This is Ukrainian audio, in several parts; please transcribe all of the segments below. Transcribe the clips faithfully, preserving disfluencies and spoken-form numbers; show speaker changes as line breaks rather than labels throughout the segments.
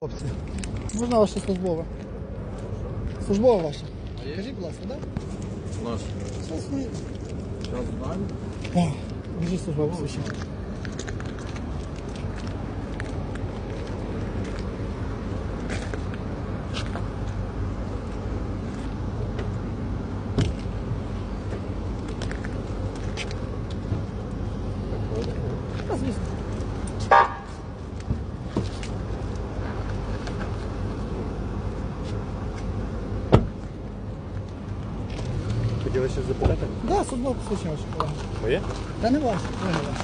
Хлопці, можна ваше службове? Службове ваше? Кажіть, будь ласка, так?
Наш.
Все своє.
Зараз знаємо.
Так, кажіть службове посвідчення. Та, звісно.
Хотіли щось запитати?
Так, да, службове посвідчення ваше, колеги.
Моє?
Та не ваше, не ваше.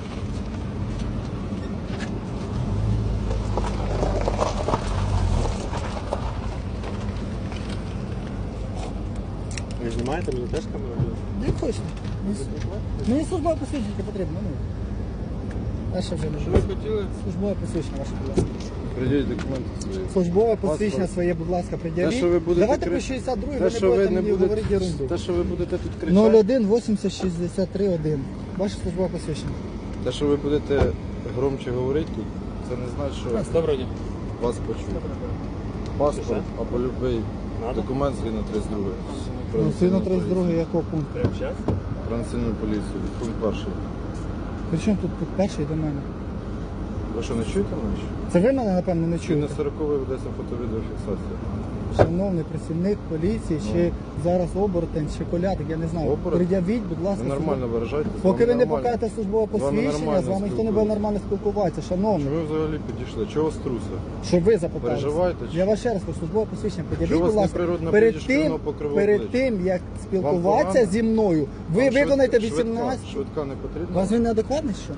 Ви знімаєте, мені теж камеру?
Як хочете. Мені, мені службове посвідчення потрібно, ну. Дальше вже не
Що
живу.
ви хотіли?
Службове посвідчення ваше, будь ласка.
Придіть документи свої.
Службове посвідчення
Паспорт.
своє, будь ласка, пред'явіть.
Те, що ви будете
Давайте
кри-
по шістдесят другій,
Те,
ви не
що ви
будете
не
мені говорити
будете,
ерунду.
те, що ви будете тут кричати,
нуль один вісімдесят шістдесят три один. Ваше службове посвідчення.
те, що ви будете громче говорити тут, це не значить, що
Доброго дня.
вас почують. Паспорт або будь-який документ згідно тридцять другої.
Ну, сильно тридцять другий якого пункту?
Прямо зараз?
Про національну поліцію. Пункт перший.
Причому тут пункт перший до мене?
Ви що, не чуєте мене? ще?
Це ви мене, напевно, не
Чи на
чуєте?
сороковий ведеться фото-відеофіксація?
Шановний працівник поліції, чи зараз оборотень, чи колядик, я не знаю.
Оборотень?
Пред'явіть, будь ласка,
Ви нормально виражаєтесь?
Поки
вам
ви не
нормально.
покажете службове
З вами
посвідчення,
нормально
з вами ніхто не буде
спілкуюсь.
нормально спілкуватися, шановний.
Чи ви взагалі підійшли? Чого вас труса?
Щоб ви запитали.
Переживаєте, чи-
Я вас ще раз кажу, службове посвідчення
Чи
пред'явіть,
у вас
будь ласка,
неприродна
перед
блідість
тим,
по кривому
перед
обличчю?
тим, як спілкуватися
погано?
зі мною, ви
Вам
виконаєте
швидка-
вісімнадцять.
Швидка, швидка не
У
потрібна?
вас він неадекватний, що?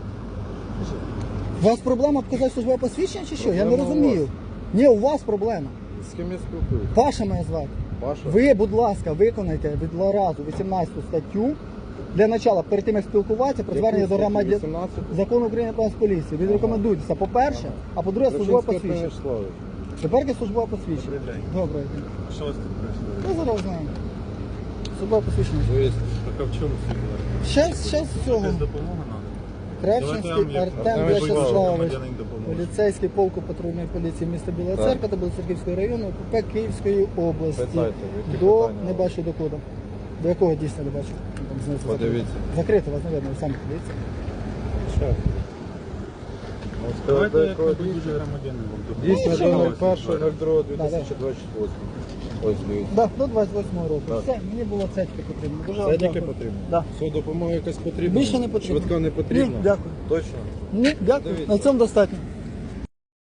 У вас проблема показати службове посвідчення чи що? Я не
Проблема у
розумію.
вас.
Ні, у вас проблема.
З ким я спілкуюся?
Паша мене звати.
Паша?
Ви, будь ласка, виконайте від разу вісімнадцяту статтю. Для начала, перед тим як спілкуватися, про
Яку
звернення до
статтю?
громадян.
вісімнадцяту?
Закону України про поліцію. Відрекомендуйтеся, по-перше, а по-друге, службове
Рашинський
посвідчення.
Станіславович.
Тепер є службове посвідчення.
Добрий день.
Добрий день.
Що у вас тут прийшло?
Я зараз знаю. Службове посвідчення.
Звісно.
Так а в чому сигнал?
Щас, щас цього.
Якась допомога треба?
Кравчинський
Давайте я вам
Артем
як-
В'ячеславович,
громадянин допоможе.
поліцейський полку патрульної поліції міста Біла
Так.
Церква та Білоцерківського району, ОП Київської області.
Питайте, які
До,
питання?
не бачу до коду. До якого дійсно не бачу? Там знизу
Подивіться.
закрито. Закрито, вас, навіть, ви самі подивіться.
Що? Ну,
Давайте
сказати,
як
якого
ви
дійсно?
дуже громадянин вам допоможе.
Дійсно,
що
до
ви?
нуль першого нуль другого дві тисячі двадцять восьмого. Ось, дивіться.
Да, до двадцять восьмого року.
Так.
Все, мені було цецьки потрібно. Дуже вам
Це тільки
дякую.
потрібно?
Да.
Все, допомога якась потрібна?
Більше не потрібно.
Швидка не потрібна?
Ні, дякую.
Точно?
Ні, дякую.
Дивіться.
На цьому достатньо.